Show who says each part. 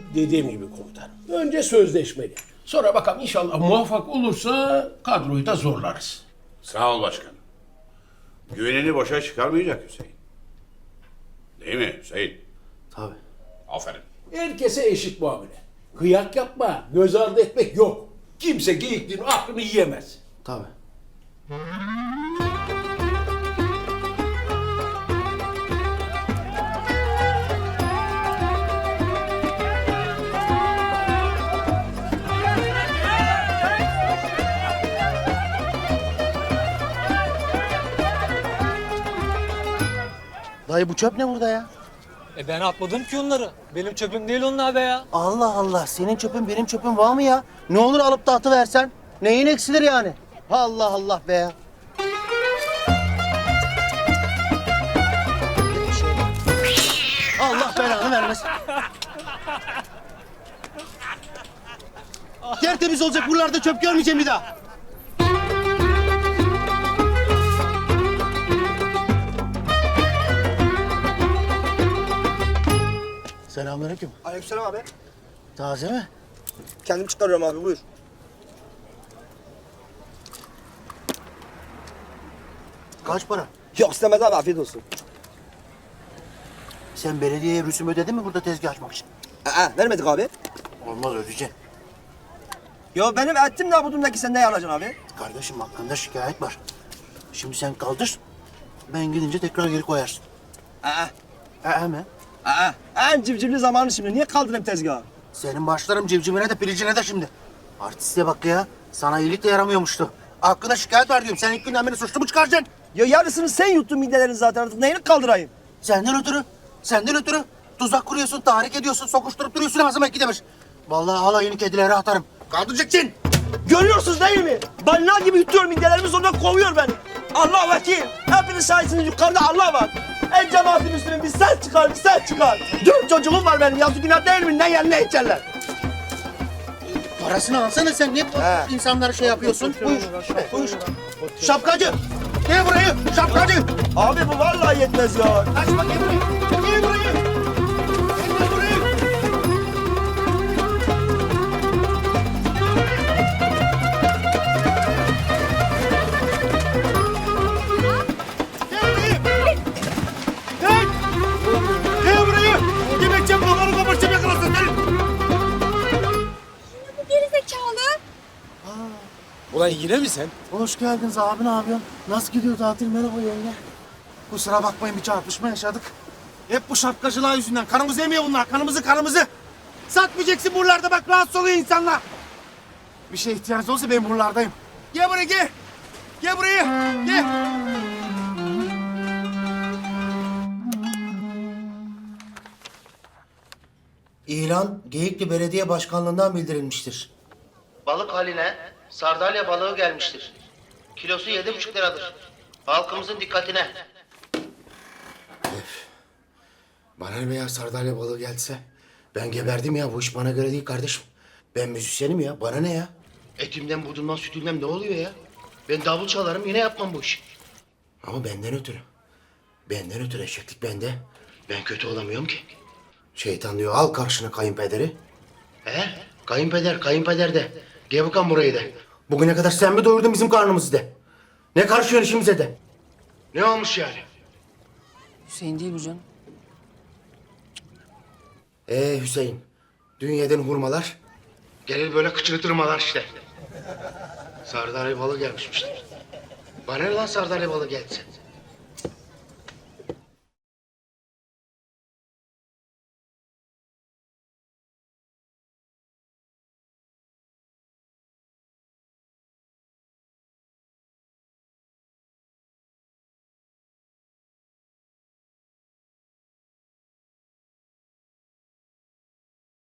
Speaker 1: Dediğim gibi komutanım. Önce sözleşmeli. Sonra bakalım inşallah muvaffak olursa kadroyu da zorlarız.
Speaker 2: Sağ ol başkanım. Güvenini boşa çıkarmayacak Hüseyin. Değil mi Hüseyin?
Speaker 3: Tabii.
Speaker 2: Aferin.
Speaker 1: Herkese eşit muamele. Kıyak yapma, göz ardı etmek yok. Kimse geyikliğin aklını yiyemez.
Speaker 3: Tabii. Dayı bu çöp ne burada ya?
Speaker 4: Ben atmadım ki onları. Benim çöpüm değil onlar be ya.
Speaker 3: Allah Allah, senin çöpün benim çöpüm var mı ya? Ne olur alıp da atıversen. Neyin eksilir yani? Allah Allah be ya. Allah belanı vermesin. Tertemiz olacak, buralarda çöp görmeyeceğim bir daha. Selamünaleyküm.
Speaker 5: Aleykümselam abi.
Speaker 3: Taze mi?
Speaker 5: Kendim çıkarıyorum abi, buyur.
Speaker 3: Kaç para?
Speaker 5: Yok istemez abi, afiyet olsun.
Speaker 3: Sen belediyeye rüsum ödedin mi burada tezgah açmak için?
Speaker 5: Vermedik abi.
Speaker 3: Olmaz, ödeyeceksin.
Speaker 5: Yo benim ettim de budumdaki sen ne alacaksın abi?
Speaker 3: Kardeşim hakkında şikayet var. Şimdi sen kaldır, ben gidince tekrar geri koyarsın. Mi?
Speaker 5: En civcivli zamanı şimdi. Niye kaldırayım tezgahı?
Speaker 3: Senin başlarım civcivine de pilicine de şimdi. Artiste bak ya, sana iyilik de yaramıyormuştu. Hakkında şikayet var diyorum, sen ilk günden beni suçlu mu çıkaracaksın?
Speaker 5: Ya yarısını sen yuttun midelerini zaten, artık neyini kaldırayım?
Speaker 3: Senden ötürü tuzak kuruyorsun, tahrik ediyorsun, sokuşturup duruyorsun ağzıma iki demir. Vallahi alayını kedilere atarım. Kaldıracaksın.
Speaker 5: Görüyorsunuz değil mi? Balina gibi yutuyor midelerimi, sonra kovuyor beni. Allah vekil. Hepiniz şahitsiniz, yukarıda Allah var. En cemaatin üstüne bir ses çıkar, bir ses çıkar. 4 çocuğum var benim, yazık günah değil mi? Ne yer ne içerler?
Speaker 3: Parasını alsana sen, niye insanlara şey yapıyorsun? Buyur. Şapkacı, gel burayı, şapkacı.
Speaker 5: Abi bu vallahi yetmez ya.
Speaker 3: Kaçma, gel burayı. Gel burayı. Gel burayı. Gel burayı. Yemekçe buraları kabartacağım, yakalasın seni.
Speaker 6: Bu gerizekalı.
Speaker 4: Ulan yine mi sen?
Speaker 3: Hoş geldiniz abi, ne yapıyorsun? Nasıl gidiyor tatil? Merhaba yenge. Kusura bakmayın, bir çarpışma yaşadık. Hep bu şapkacılar yüzünden. Kanımızı yemiyor bunlar, kanımızı. Satmayacaksın buralarda, bak rahatsız oluyor insanlar. Bir şeye ihtiyacınız olursa ben buralardayım. Gel buraya, gel. Gel buraya, gel. İlan Geyikli Belediye Başkanlığı'ndan bildirilmiştir. Balık haline sardalya balığı gelmiştir. Kilosu 7,5 liradır. Halkımızın dikkatine. Bana ne be ya, sardalya balığı gelse? Ben geberdim ya, bu iş bana göre değil kardeşim. Ben müzisyenim ya, bana ne ya? Etimden, budumdan, sütümden ne oluyor ya? Ben davul çalarım, yine yapmam bu işi. Ama benden ötürü. Benden ötürü eşeklik bende. Ben kötü olamıyorum ki. Şeytan diyor, al karşına kayınpederi. Kayınpeder de. Gel bakalım burayı de. Bugüne kadar sen mi doyurdun bizim karnımızı de. Ne karışıyorsun işimize de. Ne olmuş yani?
Speaker 7: Hüseyin değil bu canım.
Speaker 3: Hüseyin, dün yedin hurmalar. Gelir böyle kıçırtırmalar işte. Sardalya balığı gelmişmiştir. Bana ne lan sardalya balığı gelse?